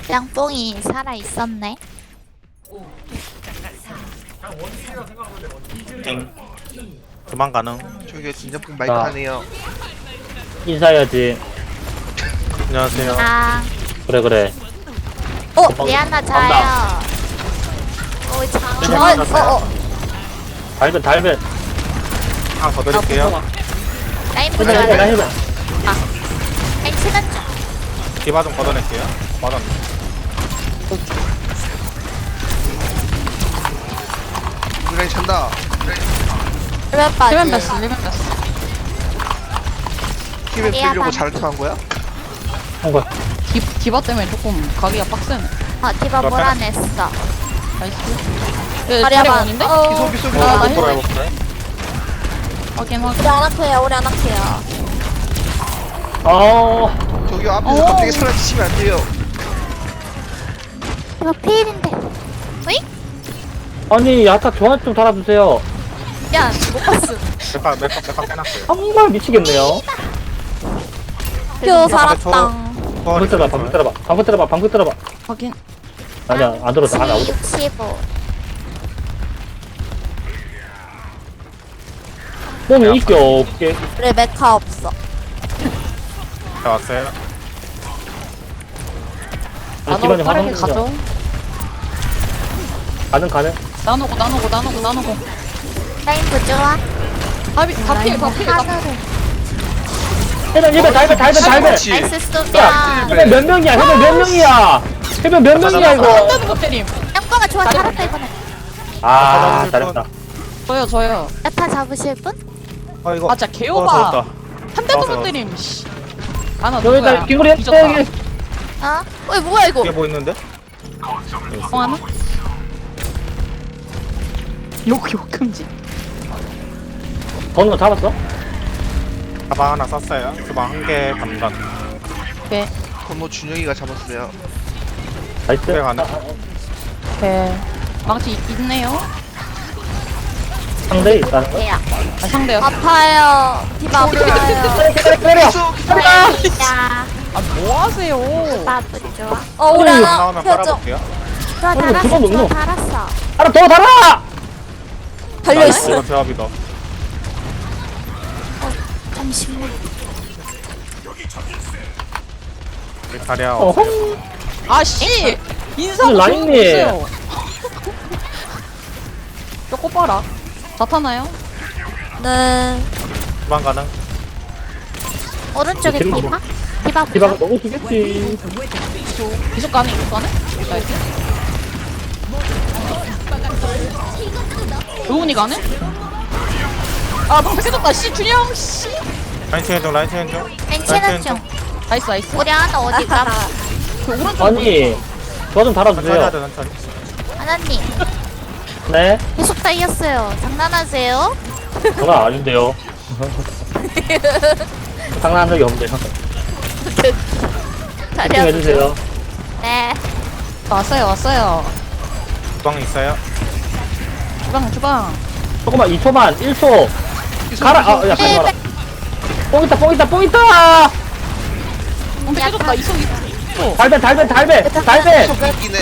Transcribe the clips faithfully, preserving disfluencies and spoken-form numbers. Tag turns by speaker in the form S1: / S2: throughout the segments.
S1: 양뽕이 살아있었네.
S2: 땡. 그만 가능.
S3: 저기요 진정품 마이크 하네요.
S4: 인사해야지.
S2: 안녕하세요.
S1: 아,
S4: 그래 그래.
S1: 어, 리아나 자요. 오, 장. 어, 어, 어.
S4: 달변 달변.
S2: 하나 더 드릴게요.
S1: 라인
S4: 해변
S1: 보자.
S4: 해변 해변.
S1: 라인 치는 중.
S2: 디바 좀 걷어낼게요. 맞았네.
S3: 그래 찬다.
S1: 왜 빠지?
S5: 리벤 뺐어, 리벤 뺐어.
S3: 힘을
S1: 미안하다.
S3: 빌려고 잘 통한 거야?
S4: 한 거야.
S5: 디, 디바 때문에 조금 가기가 빡세네.
S1: 어, 디바 몰아냈어.
S5: 나이스. 예,
S1: 다리
S5: 자리
S1: 한번.
S5: 원인데?
S1: 어.
S3: 기소 기소 기소.
S5: 아, 나
S2: 뭐라
S5: 힐.
S2: 해볼까요?
S5: 확인, 확인.
S1: 우리 안 아파요, 우리 안 아파요.
S4: 어.
S3: 저기요 앞에서
S5: 어.
S3: 갑자기 사라지시면 안 돼요.
S1: 이거 피일인데. 어이?
S4: 아니 아까 저한테 좀 달아주세요.
S1: 야, 못 봤어.
S2: 몇박 몇박 몇박 빼놨어요.
S4: 정말 미치겠네요.
S1: 표 살았다.
S4: 방금 들어봐 방금 들어봐 방금 들어봐 방금 들어봐.
S5: 확인.
S4: 아니야 안 들었어 안 나오고.
S1: 육십오.
S4: 몸이 있게 없게.
S1: 우리 메카 없어.
S2: 자 왔어요.
S4: 우리 집안에
S5: 나노 빠르게
S4: 화장
S5: 가죠.
S4: 가능 가능.
S5: 나누고, 나누고, 나누고, 나누고.
S1: 라인 부조화.
S5: 다, 비- 다 피해, 다 피해, 다 피해.
S1: 하늘을.
S4: 해변 해변 달변 달변 달변.
S3: 그렇지.
S1: 나이스
S4: 야
S1: 쏘면.
S4: 해변 몇 명이야 해변 몇 명이야. 해변 몇 명이야
S5: 안
S4: 이거.
S5: 되는 거 때림.
S1: 양뽕아 좋아, 잘했다 이번에.
S4: 아 잘했다.
S5: 저요, 저요.
S1: 야타 잡으실 분?
S2: 아 이거.
S5: 아, 진짜
S2: 어,
S5: 개오바.
S2: 좋았다.
S5: 한 대도
S2: 좋았어.
S5: 못 때림, 씨. 아나
S4: 여기다
S5: 누구야?
S4: 김구리
S5: 뒤졌다.
S4: 했어 여기.
S1: 어? 어이 뭐야 이거?
S2: 이게 뭐 있는데?
S5: 어, 하나? 욕, 욕 금지.
S4: 어느 거 잡았어?
S2: 가방 하나 썼어요. 가방 한 개 반반.
S5: 네.
S3: 건모 준영이가 잡았어요.
S4: 나이스.
S2: 그래, 가능.
S5: 네. 망치 있- 있네요.
S4: 상대 있다는 거.
S1: 얘야.
S5: 아, 상대요.
S1: 아파요. 디바 아파요.
S4: 때려.
S3: 기소 기소.
S1: 야,
S5: 아, 뭐 하세요?
S1: 디바 부조화. 어, 우리
S4: 안
S1: 하나
S2: 나오면
S1: 표정.
S2: 빨아볼게요.
S1: 좋아,
S4: 어,
S1: 달았어,
S4: 두번
S1: 좋아,
S4: 넘노.
S1: 달았어.
S4: 하나 더 달아.
S1: 달려있어.
S2: 이거 조합이다.
S1: 잠시만.
S2: 우리 자리야.
S4: 어허.
S5: 아, 씨! 인사도
S4: 그
S5: 좋은 거
S4: 라인님.
S5: 있어요. 쪼꼬 봐라. 나타나요?
S1: 네.
S2: 그만 가능.
S1: 오른쪽에
S4: 뒤로
S1: 디바? 디바
S4: 디바가
S1: 부조화.
S4: 너무 죽겠지.
S5: 계속 가네, 계속 가네? 나이스. 로운이 가네? 아, 방패 깨졌다, 씨, 준영, 씨!
S2: 라인 체인 중 라인 체인 중.
S1: 괜찮은 중.
S5: 나이스, 나이스.
S1: 우리 하나 어디 가?
S5: 그 오른쪽.
S4: 아니 저 좀
S2: 천천히
S4: 달아주세요.
S2: 하자 천천히.
S1: 하나님,
S4: 네.
S1: 계속 다 이었어요. 장난하세요?
S4: 저는 아닌데요. 장난한 적이 없는데요.
S1: 자리야.
S4: 해주세요.
S1: 네.
S5: 왔어요, 왔어요.
S2: 주방 있어요.
S5: 주방, 주방.
S4: 조금만 이 초만 일 초. 가라. 아, 야, 가지
S1: 네,
S4: 마라. 뽕 있다, 뽕 있다, 뽕 있다.
S5: 방패
S1: 약간-
S5: 깨졌다, 이속, 이속.
S4: 달배, 달배, 달배, 달배.
S3: 웃기네.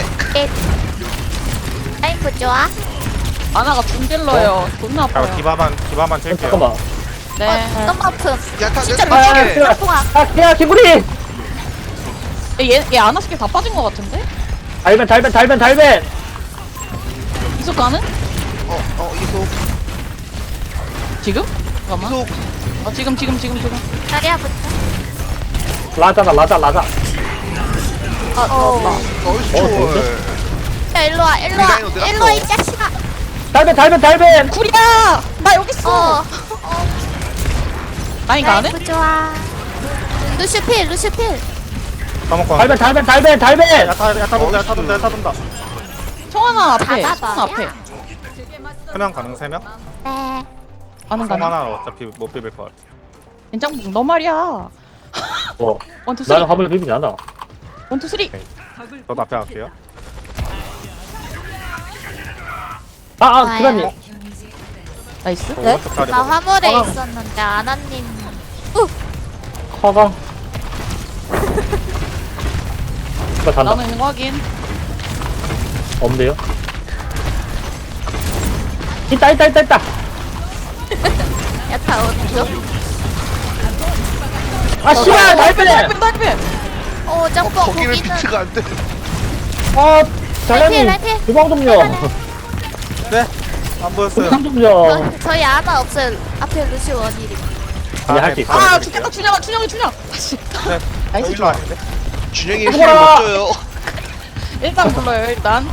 S1: 라인 부조화.
S5: 아나가 중딜러요. 존나
S2: 자
S5: 아파요.
S2: 디바만 디바만 칠게요.
S4: 잠깐만.
S5: 네.
S1: 어, 너무 아픔.
S3: 야타
S1: 진짜
S3: 야타
S4: 아,
S3: 미치게.
S4: 야,
S1: 통화.
S4: 아, 야, 김구리.
S5: 얘, 얘 아나 스킬 다 빠진 것 같은데?
S4: 달배, 달배, 달배, 달배.
S5: 이속 가는?
S3: 어어 이소
S5: 지금? 잠깐만.
S3: 이소.
S5: 어, 지금, 지금, 지금, 지금.
S1: 자리야 부조.
S4: 라자다, 라자, 라자.
S1: 어, 어.
S3: 얼쑤.
S4: 어,
S1: 야, 일로 와, 일로 와.
S3: 우리 라인 어디
S1: 일로 와, 이
S3: 갔어?
S1: 자식아.
S4: 달배, 달배, 달배.
S5: 구리야! 나 여기 있어!
S1: 어.
S5: 라인
S1: 라인
S5: 가네?
S1: 부조화. 루시필, 루시필.
S2: 까먹고.
S4: 달배, 달배, 달배, 달배.
S2: 야타 야타 돈다 야타 돈다 야타 돈다.
S5: 청하나 앞에,
S1: 잡아봐,
S5: 청하나 앞에.
S1: 야.
S2: 세 명 가능 세 명?
S1: 네.
S5: 가는
S2: 송
S5: 가는.
S2: 하나 어차피 못 비빌 것 같아.
S5: 괜찮고, 너 말이야.
S4: 어,
S5: 원투
S4: 나는
S5: 쓰리.
S4: 화물 비비지 않아.
S5: 원투 쓰리.
S2: 저도 앞에 갈게요.
S4: 아, 아,
S1: 좋아요.
S4: 기관님.
S5: 나이스.
S2: 저
S1: 네?
S2: 오른쪽 다리
S1: 나
S2: 보고.
S1: 화물에
S4: 어.
S1: 있었는데 아나님.
S4: 커강. 이거 잔다.
S5: 나는 있는 거 확인.
S4: 없는데요? 있다 있다 있다 있다.
S1: 야타 어디죠?
S4: 아 씨발
S5: 날빼
S4: 날빼네.
S5: 날빼 날빼.
S1: 오
S3: 어,
S1: 짬뽕
S3: 거기는
S1: 고기는
S3: 비트가 안 돼.
S4: 아
S1: 라이트,
S4: 잘하니
S1: 라이트.
S4: 주방 좀요.
S2: 네? 안 보였어요.
S4: 주방 좀요.
S1: 저, 저희 아나 없어요. 앞에 루시 원일이.
S4: 아니 할수 있어.
S5: 아 죽겠다 준영아 준영이 준영. 아씨.
S2: 네.
S5: 나이스
S2: 일로
S5: 좋아.
S2: 아닌데?
S3: 준영이 힘을
S4: 죽어라!
S3: 못 줘요.
S5: 일단 불러요 일단.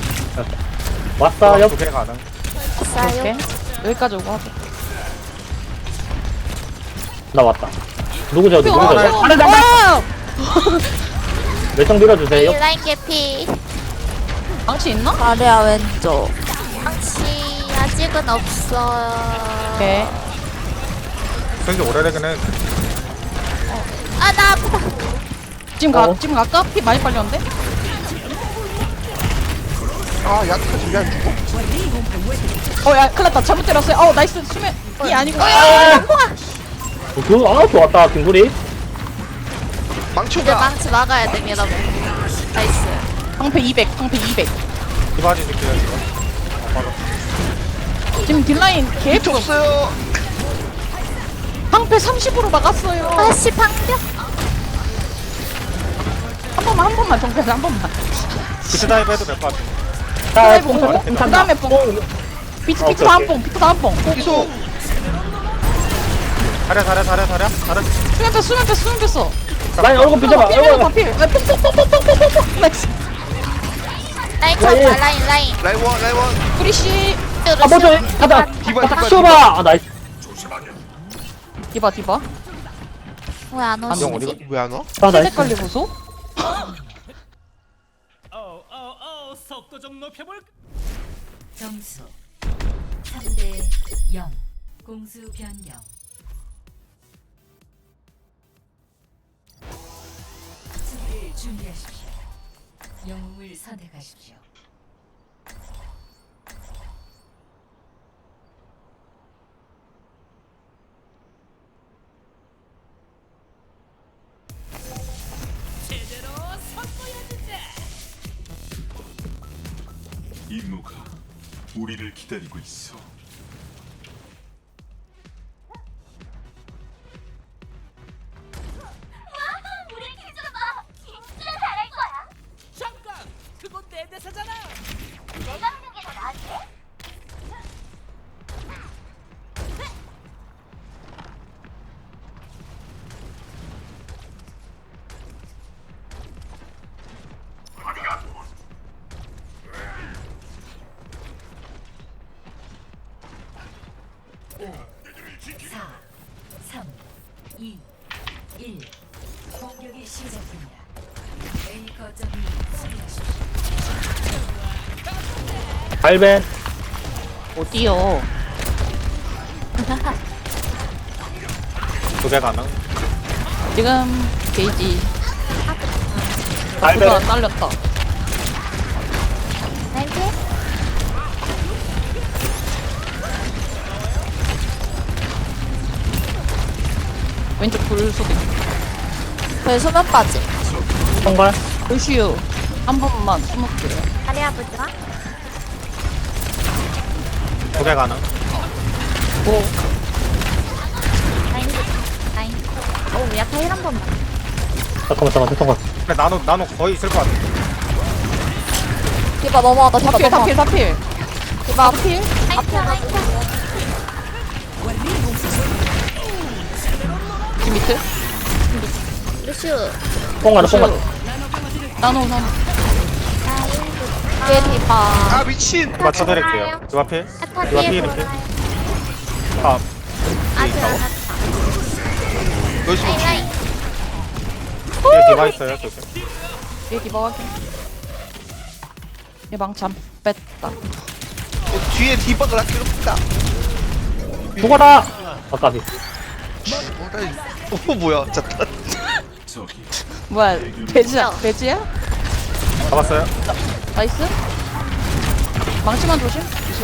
S4: 왔어 옆.
S2: 두개 가능.
S1: 싸요.
S5: 오케이. 여기까지 오고 하자.
S4: 나 왔다. 누구죠 누구죠?
S5: 어,
S4: 하늘 담당.
S5: 와!
S4: 몇정 밀어주세요.
S1: 라인 개피.
S5: 망치 있나?
S1: 아래야 왼쪽. 당시 아직은 없어요.
S5: 오케이.
S2: 생기 오래되긴 해.
S1: 아나 아파.
S5: 지금 가
S4: 어.
S5: 지금 갈까? 피 많이 빨렸는데?
S3: 아, 약하지 왜안 죽어?
S5: 어야 큰일났다 잘못 때렸어요. 어 나이스 수면 이 아니고.
S4: 그아 좋았다 김구리.
S3: 망치
S1: 이제
S3: 온다.
S1: 망치 막아야 돼 여러분. 나이스.
S5: 방패 이백 방패 이백.
S2: 디바지 줄게요 지금.
S5: 지금 딜라인 개
S3: 비트 없어요.
S5: 방패 삼십으로 막았어요.
S1: 아씨 방벽.
S5: 한 번만 한 번만 정패 한 번만.
S2: 비트 다이브 해도 될 것 같아.
S4: 자
S5: 보고
S4: 뽕
S5: 그
S4: 탄다.
S5: 다음에 뽕. 비트
S4: 어,
S5: 비트
S4: 오케이,
S5: 다음
S4: 오케이.
S5: 뽕 비트 다음 뽕.
S3: 이소.
S2: 잘해 잘해 잘해 잘해 잘해.
S5: 수면 뺐어 수면 뺐어 수면 뺐어.
S4: 라인 얼굴 비춰봐.
S5: 필
S4: 얼굴.
S5: 다 필. 아, 뽕뽕뽕뽕뽕뽕뽕. 나이스.
S1: 라인
S4: 라인.
S1: 쳐봐 라인 라인.
S3: 라이원, 라이원.
S5: 프리시.
S4: 아 먼저 가자.
S3: 디바,
S4: 딱
S3: 디바,
S4: 쏘봐. 아 나이스.
S5: 디바 디바.
S1: 왜안
S2: 영
S1: 오시지?
S2: 어디가?
S3: 왜안 와?
S4: 아 나이스.
S5: 색깔리 보소.
S6: 어어어 속도 좀 높여볼까?
S7: 점수 삼 대 영 공수 변경 수비를 준비하십시오. 영웅을 선택하십시오.
S6: 제대로 선보여주자.
S8: 임무가 우리를 기다리고 있어.
S6: 잠깐, 그건 내 대사잖아.
S7: 사, 삼, 이, 일 공격이 시작됩니다. A 거점이 수비하십시오.
S4: 발벤.
S5: 어디요?
S2: 두 개 가능.
S5: 지금 게이지.
S4: 발벤.
S5: 누가 딸렸다.
S1: 라인 피?
S5: 왼쪽 불 수도 있고.
S1: 그 소면 빠지.
S4: 정말.
S5: 불슈 한 번만 숨을게요.
S1: 아리아 보자.
S2: 두 개 가능.
S5: 오.
S1: 라인 라인. 오 야타 힐한 번만.
S4: 잠깐만 잠깐만 잠깐만.
S2: 근데 나노 나노 거의 있을 것 같아.
S1: 디바 넘어가다 디바
S5: 다필
S1: 넘어가.
S5: 다필 다필.
S1: 디바 필. 라인 켜 라인 켜.
S5: 지금 밑에.
S1: 루슈.
S4: 뽕 가는 뽕 가는.
S5: 나노 나노.
S1: 뒤에 디바.
S3: 아, 미친.
S2: 디바 쳐드릴게요. 디바 필.
S1: 야타
S2: 디바
S1: 뒤에
S2: 필
S1: 보라.
S2: 이렇게. 아
S1: 아직 안 왔다.
S3: 여기서
S1: 라인 라인.
S2: 뒤에 디바 있어요 저기.
S5: 얘 디바 확인. 얘 망참 뺐다.
S3: 어, 뒤에 디바가 나 괴롭다.
S4: 죽어라. 아까비.
S3: 어, 나 이- 어, 뭐야? 잠깐.
S8: 저기
S5: 뭐야 돼지야 돼지야?
S2: 잡았어요.
S5: 나이스. 망치만 조심.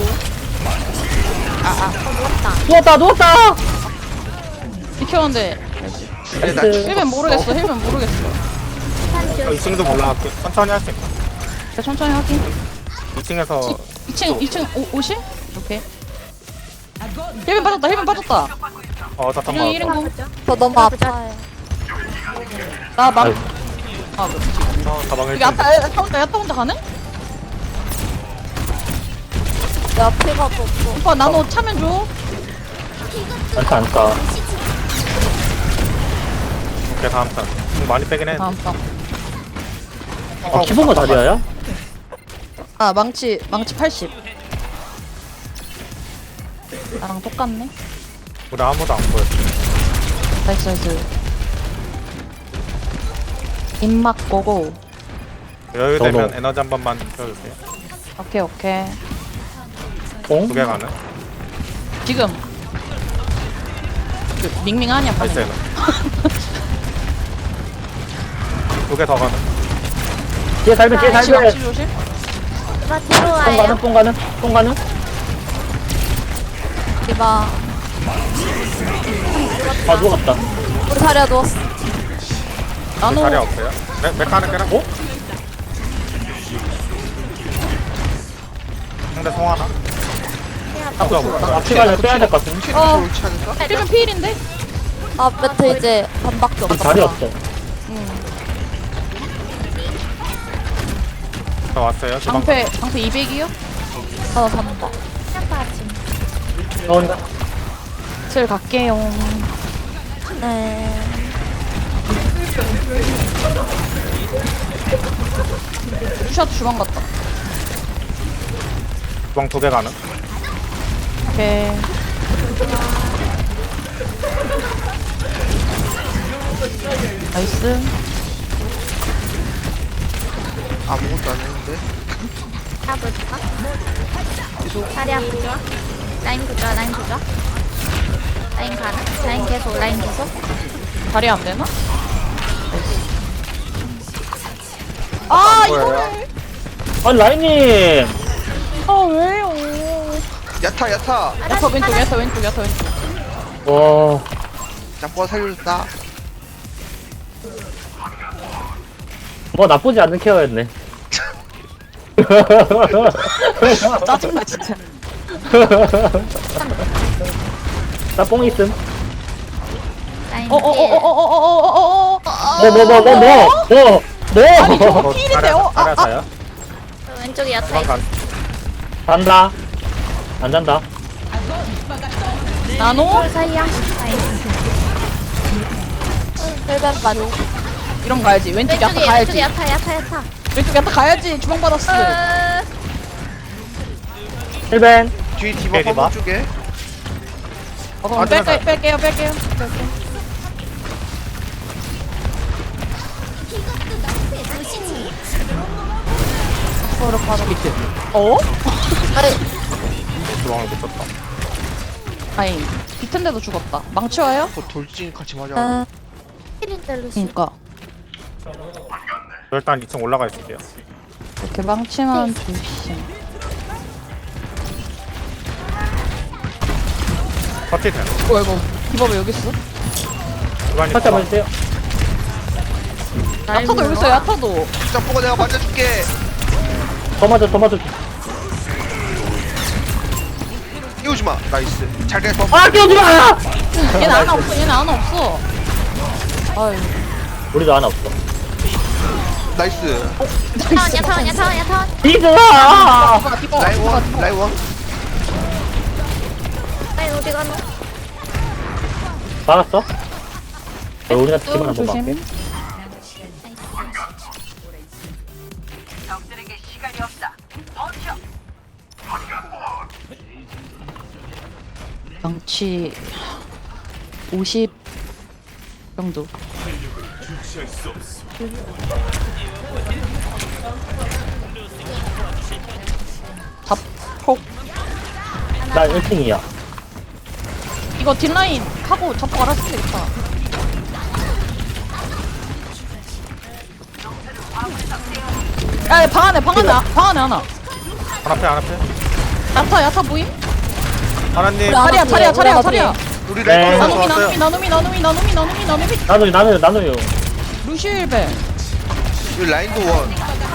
S4: 누웠다 누웠다.
S5: 비켰는데
S3: 아니, 나
S4: 나이스.
S5: 힐면 모르겠어 힐면 모르겠어.
S2: 이 층도 올라갈게요. 천천히 할 수 있고.
S5: 자, 천천히 확인.
S2: 이 층에서
S5: 이 층, 이 층 오, 오실? 오케이. 힐빈 빠졌다, 힐빈 빠졌다.
S2: 어 잠깐
S5: 이런, 이런
S2: 만
S5: 거.
S1: 저 너무 아파요.
S5: 나 막.
S4: 아이고.
S5: 아, 그렇지.
S2: 어, 가방을
S5: 여기 야타, 야타 혼자, 야타 혼자 가능?
S1: 내 앞에가 없어.
S5: 오빠, 나노 차면 줘.
S4: 안타 안타.
S2: 오케이 다음 턴. 좀 많이 빼긴 해.
S5: 다음 방.
S4: 아 기본거 다리야야?
S5: 아, 망치, 망치 팔십. 나랑 똑같네.
S2: 우리 아무도 안 보여.
S5: 나이스, 나이스. 입막 고고.
S2: 여유되면
S4: 저도.
S2: 에너지 한 번만 줘주세요.
S5: 오케이, 오케이.
S4: 공?
S2: 두 개 가는.
S5: 지금. 그, 밍밍하냐,
S2: 나이스
S5: 방금.
S2: 에너. 두 개 더 가는.
S4: 뒤에 살면 뒤에
S5: 망치,
S4: 살면.
S5: 망치 조심.
S1: 디바
S4: 뽕
S1: 들어와요.
S4: 가는 뽕 가는 뽕 가는.
S1: 디바.
S4: 아 누웠다.
S1: 우리 자리야 누웠어.
S5: 나노.
S2: 자리 없어요? 메, 메카는 깨라? 어? 상대 송 하나? 아,
S4: 앞에 가면 빼야 될 것 같은데.
S3: 킬이
S5: 어.
S3: 좋지 않을까?
S5: 힐빈 필인데?
S1: 아 매트 이제 반밖에 없어.
S4: 자리 없어.
S2: 저 왔어요. 주방.
S5: 방패, 방패 이백이요?
S1: 어 잡는다.
S4: 나온다.
S5: 슬 갈게요.
S1: 네.
S5: 슈샷 주방 갔다.
S2: 주방 두 개 가는.
S5: 오케이. 나이스.
S3: 아무것도 안 했는데.
S1: 잡을까? 자리 아프죠? 라인 부자, 라인 부자. 라인 가는? 라인 계속, 라인 계속.
S5: 다리 안 되나? 아, 이거를.
S4: 아니 라인님.
S5: 아, 왜요?
S3: 야타 야타.
S5: 야타 왼쪽, 야타 왼쪽, 야타 왼쪽.
S4: 와.
S3: 짬뽕 살려줬다.
S4: 뭐 나쁘지 않은 케어였네.
S5: 짜증나, 진짜.
S4: 나뽕 있음.
S1: 라인
S5: 어, 어, 어, 어, 어, 어, 어, 어, 어, 어.
S4: 뭐 뭐 뭐 뭐 뭐 뭐
S5: 아니,
S4: 뭐.
S5: 저거 필인데, 어? 아,
S2: 자리
S5: 아.
S2: 자요.
S1: 왼쪽에 야타
S2: 주방
S1: 있어.
S2: 간.
S4: 잔다. 안 잔다.
S5: 나노?
S1: 사이야. 헬벤 빠져.
S5: 이런 거 가야지. 왼쪽 야타
S1: 왼쪽에,
S5: 가야지.
S1: 왼쪽에 야타, 야타, 야타.
S5: 왼쪽 야타 가야지. 주방 받았어.
S1: 으,
S4: 힐벤.
S3: 뒤에 디바
S2: 네, 디바.
S3: 화물 쪽에.
S5: 어, 그럼
S2: 아,
S5: 뺄게,
S2: 들어가요.
S5: 뺄게요, 뺄게요. 뺄게요.
S1: 서로 바로.
S5: 비트. 어?
S1: 아니,
S2: 주방을 못 쳤다.
S5: 아니, 비트인데도 죽었다. 망치 와요?
S3: 그 돌진 같이 맞아.
S1: 어, 힐인데 루시.
S5: 그니까.
S2: 저 일단 이 층 올라가 있을게요.
S5: 이렇게 망치만 조심.
S2: 버티 되는.
S5: 뭐야, 이거. 디바 왜 여기 있어?
S2: 주방이
S4: 살짝 맞으세요.
S5: 야타도 여기 있어, 야타도.
S3: 짬뽕아 내가 맞아줄게.
S4: 더 맞아 더 맞아.
S3: 끼우지 마. 나이스. 잘 가서.
S4: 아 끼우지 마.
S5: 얘는 하나 없어, 얘는 하나 없어. 아유.
S4: 우리도 하나 없어.
S3: 나이스.
S1: 야타원, 야타원, 야타원, 야타원.
S4: 이들아.
S5: 디바, 디바,
S3: 라인
S5: 디바,
S3: 원.
S5: 디바.
S3: 라인 원.
S1: 라인 어디 가노?
S4: 막았어? 어, 우리가 팀을 한번
S5: 조심.
S4: 막게.
S5: 망치 오십 정도.
S8: 주체할 수 없어.
S5: 잡폭.
S4: 나 일 등이야.
S5: 이거 뒷라인 하고 잡폭 알아서 되겠다. 야, 방 안에, 방 안에, 방 안에 하나.
S2: 하나 패 하나 패.
S5: 야타, 야타 보임?
S2: 하나님.
S1: 하나
S5: 자리야,
S1: 뒤에,
S5: 자리야,
S1: 우리
S5: 자리야,
S1: 하나
S5: 자리야.
S3: 우리
S4: 네.
S3: 라인 원
S5: 나눔이,
S3: 왔어요.
S5: 나눔이, 나눔이, 나눔이, 나눔이, 나눔이, 나눔이.
S4: 나눠요 나눠요 나눠요.
S5: 루시일베.
S3: 여기 라인도 원.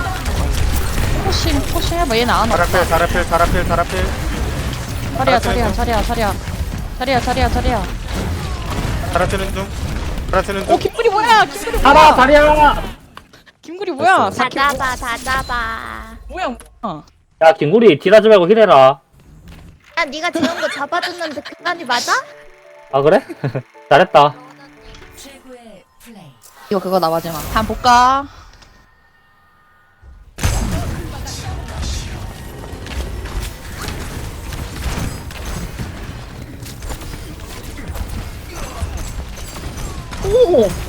S5: 포싱 포싱 해봐 얘는 안 와.
S2: 자라필 자라필 자라필 자라필.
S5: 자리야 자리야 자리야 자리야 자리야 자리야 자리야.
S2: 자라치는 중. 자라치는
S5: 오
S2: 중.
S5: 김구리 뭐야 김구리
S4: 살아
S5: 뭐야
S4: 다리야.
S5: 김구리 뭐야
S1: 다
S5: 사키
S1: 잡아 다 잡아.
S5: 뭐야 뭐야.
S4: 야 김구리 딜하지 말고 힐해라.
S1: 야 네가 지은 거 잡아줬는데 그만이 맞아?
S4: 아 그래? 잘했다.
S7: 최고의 플레이.
S5: 이거 그거 나 마지막 한번 볼까? 오